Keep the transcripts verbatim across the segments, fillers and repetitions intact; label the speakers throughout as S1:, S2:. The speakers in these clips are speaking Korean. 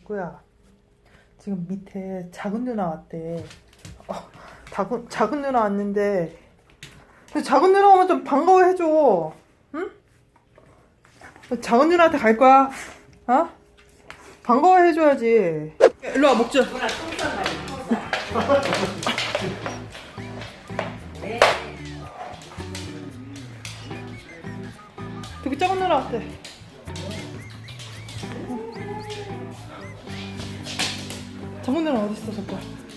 S1: 덕구야, 지금 밑에 작은 누나 왔대. 어, 작은, 작은 누나 왔는데, 근데 작은 누나 오면 좀 반가워해줘. 응? 작은 누나한테 갈 거야. 어? 반가워해줘야지. 일로 와, 먹자. 되게 작은 누나 왔대. 작은 누나 어딨어, 저거.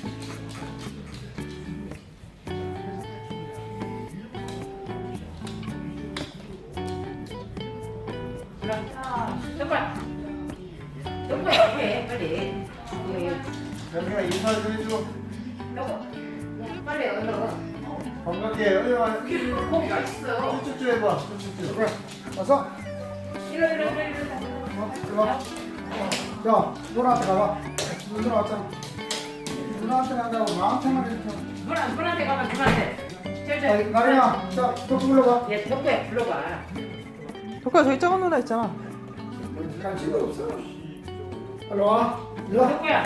S2: 정말 정말 해 빨리.
S3: 여기가 인사 좀 해줘.
S2: 여보 빨리 얼른.
S3: 반갑게 어디 와.
S2: 고기 맛있어.
S3: 쭉쭉 해봐. 쭉쭉. 그래. 와서.
S2: 이러 이러 이러 이러.
S3: 어, 이리 와. 야, 누나한테 가봐. 누나 왔잖아. 누나한테 간다고 나한테만 이렇게.
S2: 누나 누나한테 가면 누나한테.
S3: 아,
S2: 절절.
S3: 나리야, 자, 또 불러봐.
S2: 얘 덕구야 불러봐.
S1: 덕구야, 저기 작은 누나 있잖아.
S3: 간식이 없어. 일로 와. 일로 와.
S2: 덕구야.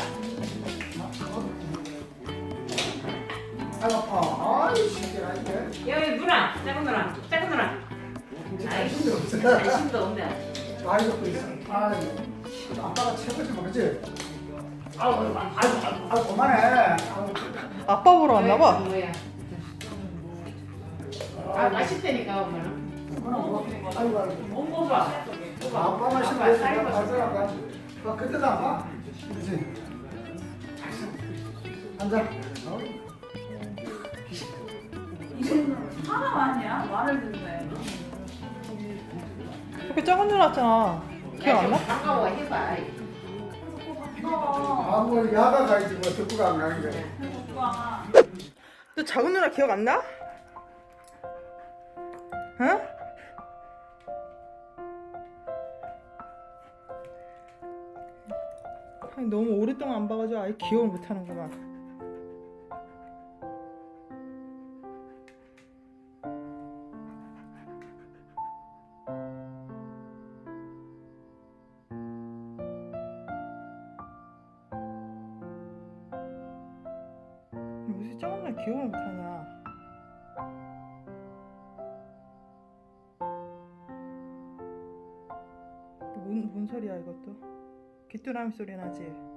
S3: 아이 아파. 아이 새끼라 이게.
S2: 여기 누나 작은 누나 작은 누나. 아이
S3: 힘도 없어.
S2: 관심도 없네.
S3: 많이 먹고 있어. 아이, 아빠가 최고지 모르지. 아우, 아우, 아우, 아우, 그만해. 아우.
S1: 아빠 보러 왔나봐.
S2: 뭐야? 아 맛있다니까 엄마는.
S3: 아이고, 아이고.
S2: 못 먹어.
S3: 아빠 마시면
S2: 아빠
S3: 왜
S2: 살이
S3: 내가
S2: 먹어.
S3: 발전한다. 아, 그때도 안 봐? 그치? 앉아. 어?
S4: 사람 아니야? 말을 듣네.
S1: 덕구 작은 누나 왔잖아. 기억 안 나?
S2: 반가워 해봐.
S3: 아, 뭐, 야가 가야지, 뭐, 듣고가 안 가는 거야.
S4: 오빠.
S1: 너 작은 누나 기억 안 나? 응? 아니, 너무 오랫동안 안 봐가지고 아예 기억을 못하는구만. 무슨 작은 누나 기억을 못하냐? 뭔, 뭔 소리야 이것도? 귀뚜라미 소리 나지?